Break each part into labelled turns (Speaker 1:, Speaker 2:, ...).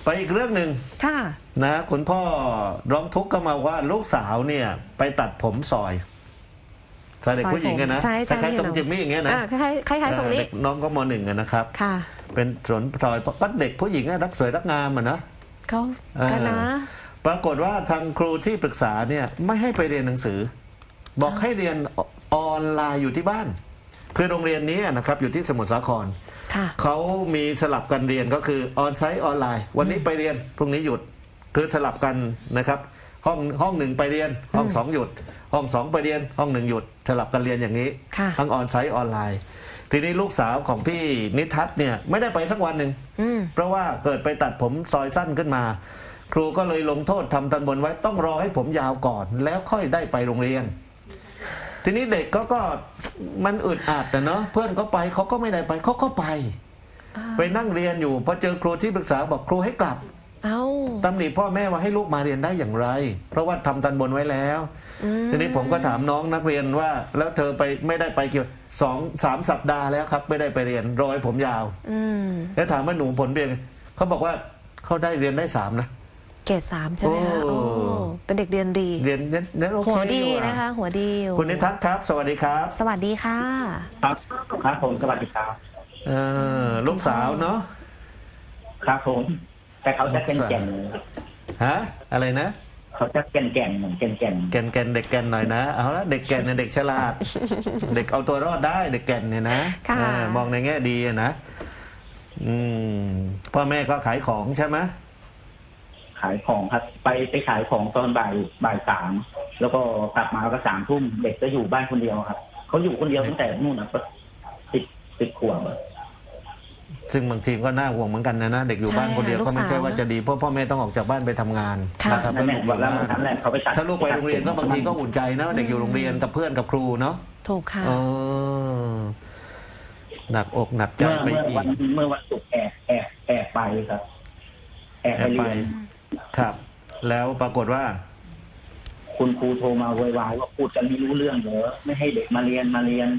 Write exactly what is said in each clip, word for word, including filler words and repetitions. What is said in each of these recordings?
Speaker 1: ไปอีกเรื่องหนึ่ง
Speaker 2: ค่ะ
Speaker 1: นะคุณพ่อร้องทุกข์ก็มาว่าลูกสาวเนี่ยไปตัดผมซอยเด็กผู้หญิงกันนะคล้ายๆตรงจิมมี่อย่างเงี้ยนะ
Speaker 2: คล้ายๆคล้ายๆทรงนี้
Speaker 1: น้องก็มหนึ่งกันนะครับ
Speaker 2: ค่ะ
Speaker 1: เป็นสนซอยก็เด็กผู้หญิงรักสวยรักงามอ่ะนะ
Speaker 2: เขากันนะ
Speaker 1: ปรากฏว่าทางครูที่ปรึกษาเนี่ยไม่ให้ไปเรียนหนังสือบอกให้เรียนออนไลน์อยู่ที่บ้านคือโรงเรียนนี้นะครับอยู่ที่สมุทรสาครเขามีสลับกันเรียนก็คือออนไซต์ออนไลน์วันนี้ไปเรียนพรุ่งนี้หยุดคือสลับกันนะครับห้องห้องหนึ่งไปเรียนห้องสองหยุดห้องสองไปเรียนห้องหนึ่งหยุดสลับกันเรียนอย่างนี้ทั้งออนไซต์ออนไลน์ทีนี้ลูกสาวของพี่นิทัศน์เนี่ยไม่ได้ไปสักวันหนึ่งเพราะว่าเกิดไปตัดผมซอยสั้นขึ้นมาครูก็เลยลงโทษทำทันบนไว้ต้องรอให้ผมยาวก่อนแล้วค่อยได้ไปโรงเรียนทีนี้เด็กก็ก็มันอึดอัดนะเนาะเพื่อนเขาไปเขาก็ไม่ได้ไปเขาก็ไปไปนั่งเรียนอยู่พอเจอครูที่ปรึกษาบอกครูให้กลับ
Speaker 2: เอา
Speaker 1: ตำหนิพ่อแม่ว่าให้ลูกมาเรียนได้อย่างไรเพราะว่าทำทันบนไว้แล้วทีนี้ผมก็ถามน้องนักเรียนว่าแล้วเธอไปไม่ได้ไปเกี่ยวสองสามสัปดาห์แล้วครับไม่ได้ไปเรียนรอยผมยาวแล้วถามว่าหนูผลเป็นเขาบอกว่าเขาได้เรียนได้สามนะ
Speaker 2: เกรดสามใช่ไหมคะโอ้เป็นเด็กเรียนดี
Speaker 1: เรียนเน้นโอเค
Speaker 2: หัวดีนะคะหัวดี
Speaker 1: คุณนิทัศน์ครับสวัสดีครับ
Speaker 2: สวัสดีค่ะ
Speaker 3: ครับครับผมสวัสดีครับ
Speaker 1: เออลูกสาวเนาะ
Speaker 3: ครับผมแต่เขาจะแก่นแก่น
Speaker 1: ฮะอะไรนะ
Speaker 3: เขาจะแก่นแก่นเหมือนแก่นแก่น
Speaker 1: แก่นแก่นเด็กแก่นหน่อยนะเอาละเด็กแก่นเนี่ยเด็กฉลาดเด็กเอาตัวรอดได้เด็กแก่นเนี่ยนะมองในแง่ดีนะอืมพ่อแม่ก็ขายของใช่ไหม
Speaker 3: ขายของครับไปไปขายของตอนบ่ายบ่ายสามแล้วก็กลับมาก็สามทุ่มเด็กจะอยู่บ้านคนเดียวครับเขาอยู่คนเดียวตั้งแต่นู่นนะก็สิบสิบขวบ
Speaker 1: ซึ่งบางทีก็น่าห่วงเหมือนกันนะนะเด็กอยู่บ้านคนเดียวก็ไม่ใช่ว่าจะดีเพราะพ่อแม่ต้องออกจากบ้านไปทำงานนะครับแล้วลูกอยู่บ้านถ้าลูกไปโรงเรียนก็บางทีก็อุ่นใจนะเด็กอยู่โรงเรียนกับเพื่อนกับครูเนาะ
Speaker 2: ถูกค่ะ
Speaker 1: หนักอกหนักใจไปอีก
Speaker 3: เมื่อวันศุกร์แอบแอบแอบไปครับแอบไป
Speaker 1: ครับแล้วปรากฏว่า
Speaker 3: คุณครูโทรมาโวยวายว่าพูดกันไม่รู้เรื่องเหรอไม่ให้เด็กมาเรียนมาเรียน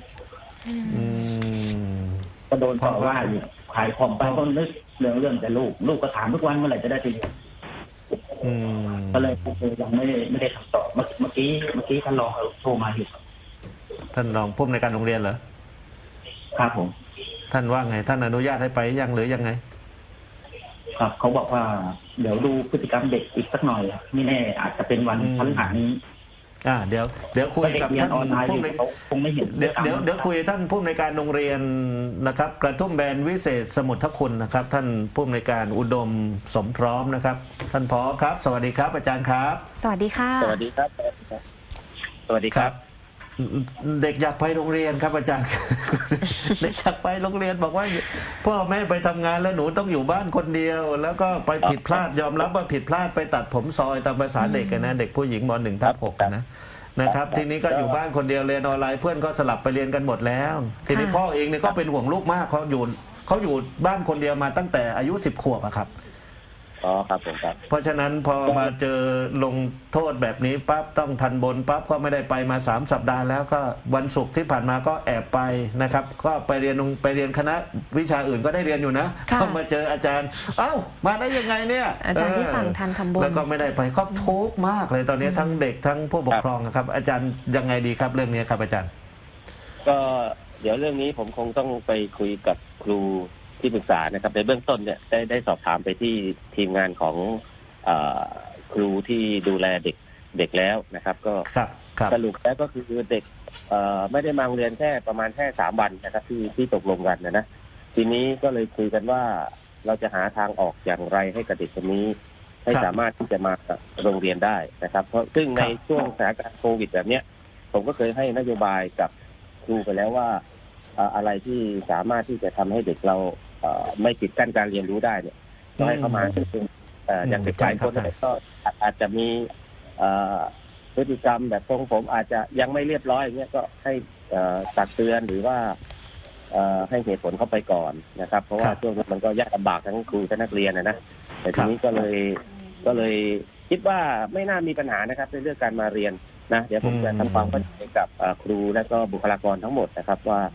Speaker 3: ก็โดนต่อว่าอยู่ขายของไปก็นึกเรื่องเรื่องแต่ลูกลูกก็ถามทุกวันเมื่อไหร่จะได้ไปเรียนก็เลยครูยังไม่ได้ไม่ได้คำตอบเมื่อกี้เมื่อกี้ท่านรองโทรมาอยู่
Speaker 1: ท่านรองผู้อำนวยการโรงเรียนเหรอ
Speaker 3: ครับผม
Speaker 1: ท่านว่าไงท่านอนุญาตให้ไปยังหรือยังไง
Speaker 3: ครับเขาบอกว่าเดี๋ยวดูพฤติกรรมเด็กอีกสักหน่อยไม่แน่อาจจะเป็นวันพฤหัสนี้
Speaker 1: อ่าเดี๋ยวเดี๋ยวคุยกับท่านผู้ใน
Speaker 3: คงไม่เห็น
Speaker 1: เดี๋ยวเดี๋ยวเดี๋ยวคุยท่านผู้ในการโรงเรียนนะครับกระทุ่มแบนวิเศษสมุทรคุณนะครับท่านผู้ในการอุดมสมพร้อมนะครับท่านผอครับสวัสดีครับอาจารย์ครับ
Speaker 2: สวัสดีค่ะ
Speaker 3: สวัสดีครับสวัสดีครับ
Speaker 1: เด็กอยากไปโรงเรียนครับอาจารย์เด็กอยากไปโรงเรียนบอกว่าพ่อแม่ไปทำงานแล้วหนูต้องอยู่บ้านคนเดียวแล้วก็ไปผิดพลาดยอมรับว่าผิดพลาดไปตัดผมซอยตามภาษาเด็กนะเด็กผู้หญิงมหนึ่งทับหกนะนะครับทีนี้ก็อยู่บ้านคนเดียวเรียนออนไลน์เพื่อนก็สลับไปเรียนกันหมดแล้วทีนี้พ่อเองเนี่ยก็เป็นห่วงลูกมากเขาอยู่เขาอยู่บ้านคนเดียวมาตั้งแต่อายุสิบขวบอะครับ
Speaker 3: อ๋อครับผมครับ
Speaker 1: เพราะฉะนั้นพอมาเจอลงโทษแบบนี้ปั๊บต้องทันบนปั๊บก็ไม่ได้ไปมาสามสัปดาห์แล้วก็วันศุกร์ที่ผ่านมาก็แอบไปนะครับก็ไปเรียนไปเรียนคณะวิชาอื่นก็ได้เรียนอยู่นะก็มาเจออาจารย์เอ้ามาได้ยังไงเนี่ย
Speaker 2: อาจารย์ที่สั่งทันทำบุญ
Speaker 1: แล้วก็ไม่ได้ไปครอบทุกข์มากเลยตอนนี้ทั้งเด็กทั้งผู้ปกครองครับอาจารย์ยังไงดีครับเรื่องนี้ครับอาจารย์
Speaker 4: ก็เดี๋ยวเรื่องนี้ผมคงต้องไปคุยกับครูที่ปรึกษานะครับในเบื้องต้นเนี่ยได้ได้สอบถามไปที่ทีมงานของเอ่อครูที่ดูแลเด็กเด็กแล้วนะครับก็สรุปแล้วก็คือเด็กเอ่อไม่ได้มาโรงเรียนแค่ประมาณแค่สามวันนะครับที่ที่ตกลงกันนะนะทีนี้ก็เลยคุยกันว่าเราจะหาทางออกอย่างไรให้กับเด็กคนนี้ให้สามารถที่จะมาโรงเรียนได้นะครับเพราะซึ่งในช่วงสถานการณ์โควิดแบบนี้ผมก็เคยให้นโยบายกับครูไปแล้วว่าอะไรที่สามารถที่จะทำให้เด็กเราไม่ปิดกั้นการเรียนรู้ได้เนี่ยก็ให้เข้ามาซึ่งอย่างเด็กหลายคนก็อาจจะมีพฤติกรรมแบบทรงผมอาจจะยังไม่เรียบร้อยอย่างเงี้ยก็ให้ตักเตือนหรือว่าให้เหตุผลเข้าไปก่อนนะครับเพราะว่าช่วงนี้มันก็ยากลำบากทั้งครูทั้งนักเรียนนะนะแต่ทีนี้ก็เลยก็เลยคิดว่าไม่น่ามีปัญหานะครับในเรื่องการมาเรียนนะเดี๋ยวผมจะทำความเข้าใจกับครูและก็บุคลากรทั้งหมดนะครับว่า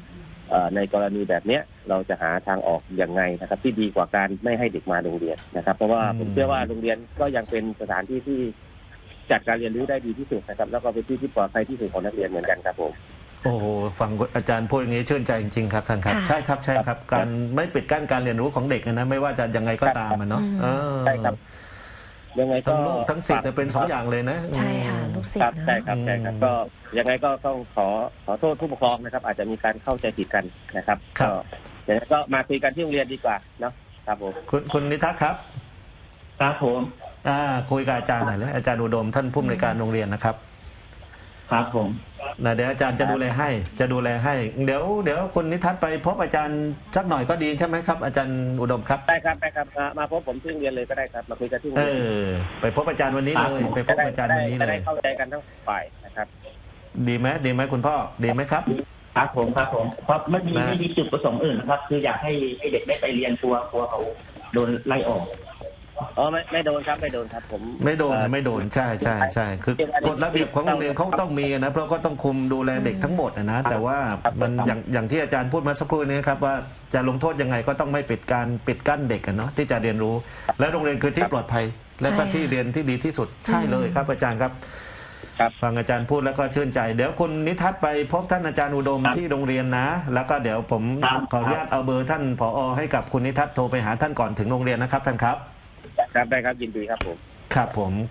Speaker 4: เอ่อในกรณีแบบเนี้ยเราจะหาทางออกยังไงนะครับ ที่ดีกว่าการไม่ให้เด็กมาโรงเรียนนะครับ เพราะว่าผมเชื่อว่าโรงเรียนก็ยังเป็นสถานที่ที่จัดการเรียนรู้ได้ดีที่สุดนะครับ แล้วก็เป็นที่ที่ปลอดภัยที่สุดของนักเรียนเหมือนกันครับผม
Speaker 1: โอ้โหฟังอาจารย์พูดอย่างนี้ชื่นใจจริงๆครับท่านครับ
Speaker 2: ค่ะ
Speaker 1: ใช่ครับใช่ครับ การไม่ปิดกั้นการเรียนรู้ของเด็กนะไม่ว่าจะยังไงก็ตามมันเนาะ
Speaker 2: อืม
Speaker 1: เออ
Speaker 4: ใช่ครับ ยังไงก็
Speaker 1: ทั้งลูกทั้งศิษย์เนี่ยเป็นสองอย่างเลยนะ
Speaker 2: ใช่ค่ะลูกศิษ
Speaker 4: ครับ
Speaker 2: ย์นะ
Speaker 4: ใช่ครับใช่ครับ
Speaker 1: อืม
Speaker 4: ก็ยังไงก็ต้องขอขอโทษผู้ปกครองนะครับ อาจจะมีการเข้าใจผิดกันนะครับ
Speaker 1: ครับ
Speaker 4: ก็อย่างนั้นก็มาคุยกันที่โรงเรียนดีกว่าเนาะครับผม
Speaker 1: คุณคุณนิทัศน์ครับ
Speaker 3: ครับผม
Speaker 1: อ่าคุยกับอาจารย์หน่อยเลยอาจารย์อุดมท่านผู้อำนวยการโรงเรียนนะครับ
Speaker 3: ครับผม
Speaker 1: นะเดี๋ยวอาจารย์จะดูแลให้จะดูแลให้ เดี๋ยวเดี๋ยวคุณนิทัศน์ไปพบอาจารย์สักหน่อยก็ดีใช่ไหมครับ อาจารย์อุดมครับ
Speaker 4: ได้ครับได้ครับมามาพบผมที่โรงเรียนเลยก็ได้ครับ มาคุยกันที่โรง
Speaker 1: เอ
Speaker 4: เรียน
Speaker 1: อ ไปพบอาจารย์วันนี้เลย ไปพบอาจารย์วันนี้
Speaker 4: จะ
Speaker 1: เล
Speaker 4: ได้
Speaker 1: ย
Speaker 4: เข้าใจกันทั้งฝ่ายนะครับ
Speaker 1: ดีไหมดีไหมคุณพ่อดีไหมครับ
Speaker 3: ครับผมครับผมเพราะไม่มี
Speaker 1: นะ
Speaker 3: ไม่มีจุดประสงค์อื่นนะครับ คืออยากให้ให้เด็กได้ไปเรียนกลัวกลัวเขาโดนไล่ออก
Speaker 4: อ๋อไม่ไม่โดนครับไม่โดนครับผม
Speaker 1: ไม่โดนนะไม่โดนใช่ใช่ใช่คือกฎระเบียบของโรงเรียนเขาต้องมีนะเพราะก็ต้องคุมดูแลเด็กทั้งหมดนะนะแต่ว่ามันอย่างอย่างที่อาจารย์พูดมาสักครู่นี้ครับว่าจะลงโทษยังไงก็ต้องไม่ปิดการปิดกั้นเด็กกันเนาะที่จะเรียนรู้ และโรงเรียนคือที่ปลอดภัย และก็ที่เรียนที่ดีที่สุดใช่เลยครับอาจารย์ครับ
Speaker 4: ครับ
Speaker 1: ฟังอาจารย์พูดแล้วก็ชื่นใจ เดี๋ยวคุณนิทัศน์ไปพบท่านอาจารย์อุดม
Speaker 3: ครับ
Speaker 1: ที่โรงเรียนนะ แล้วก็เดี๋ยวผม
Speaker 3: ครับ
Speaker 1: ขออนุญาตเอาเบอร์ท่านผอให้กับคุณนิทัศน์โทรไปหาท่านก่อนถึงโรงเรียนนะครับท่านครับ
Speaker 4: ครับได้ครับยินดีครับผม
Speaker 1: ครับผม